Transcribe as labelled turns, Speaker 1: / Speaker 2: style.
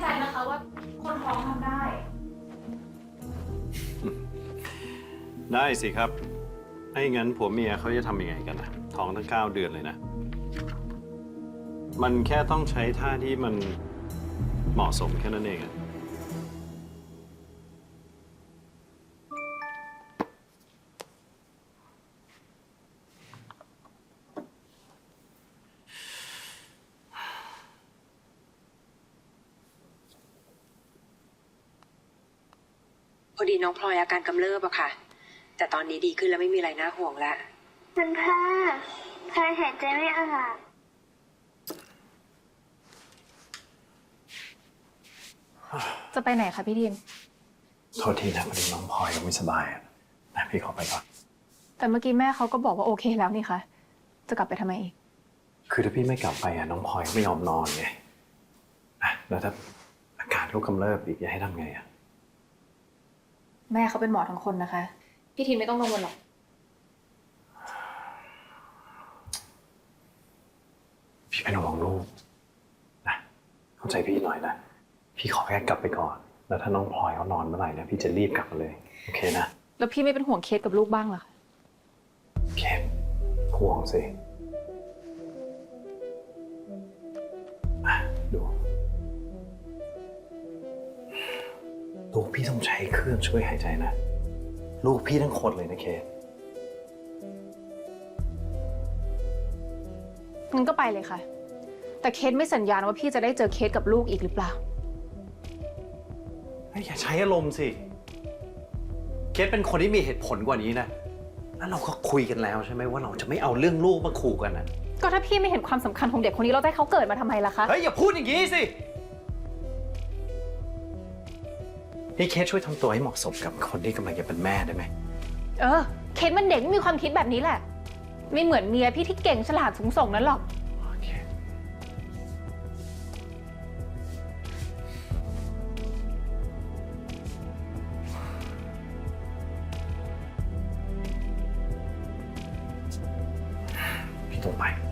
Speaker 1: นะคะว่าคนท้องทำได้
Speaker 2: ได้สิครับไอ้งั้นผัวเมียเขาจะทำยังไงกันนะท้องตั้ง9 เดือนเลยนะ มันแค่ต้องใช้ท่าที่มันเหมาะสมแค่นั้นเองอะ
Speaker 3: พอดีน้องพลอยอาการกำเริบอะค่ะ แต่ตอนนี้ดีขึ้นแล้วไม่มีอะไรน่าห่วงแล้ว
Speaker 4: คุณพ่อพลอยหายใจไม่ออก
Speaker 1: จะไปไหนคะพี่ทีม
Speaker 2: โทษทีนะพอดีน้องพลอยก็ไม่สบายอะนะพี่ขอไปก่อน
Speaker 1: แต่เมื่อกี้แม่เขาก็บอกว่าโอเคแล้วนี่คะจะกลับไปทำไมอีก
Speaker 2: คือถ้าพี่ไม่กลับไปอะน้องพลอยก็ไม่ยอมนอนไงอะแล้วถ้าอาการลูกกำเริบอีกจะให้ทำไงอะ
Speaker 1: แม่เขาเป็นหมอทั้งคนนะคะ พี่ทีมไม่ต้องกังวลหรอก
Speaker 2: พี่เป็นห่วงลูกนะเข้าใจพี่หน่อยนะพี่ขอแค่กลับไปก่อนแล้วถ้าน้องพลอยเขานอนเมื่อไหร่เนี่ยพี่จะรีบกลับมาเลยโอเคนะ
Speaker 1: แล้วพี่ไม่เป็นห่วงเคสกับลูกบ้างเหรอคะ
Speaker 2: เคสห่วงสิอ่ะดูลูกพี่ต้องใช้เครื่องช่วยหายใจนะลูกพี่ทั้งคนเลยนะเคส
Speaker 1: งั้นก็ไปเลยค่ะ แต่เคสไม่สัญญาณว่าพี่จะได้เจอเคสกับลูกอีกหรือเปล่า
Speaker 2: อย่าใช้อารมณ์สิเคสเป็นคนที่มีเหตุผลกว่านี้นะแล้วเราก็คุยกันแล้วใช่ไหมว่าเราจะไม่เอาเรื่องลูกมาขู่กันนะ
Speaker 1: ก็ถ้าพี่ไม่เห็นความสำคัญของเด็กคนนี้เราจะให้เขาเกิดมาทำไมล่ะคะ
Speaker 2: เฮ้ยอย่าพูดอย่างนี้สินี่เคสช่วยทำตัวให้เหมาะสมกับคนที่กำลังจะเป็นแม่ได้ไหม
Speaker 1: เคสมันเด็กไม่มีความคิดแบบนี้แหละ ไม่เหมือนเมียพี่ที่เก่งฉลาดสูงส่งนั้นหรอก
Speaker 2: โอเคพี่ต้องไป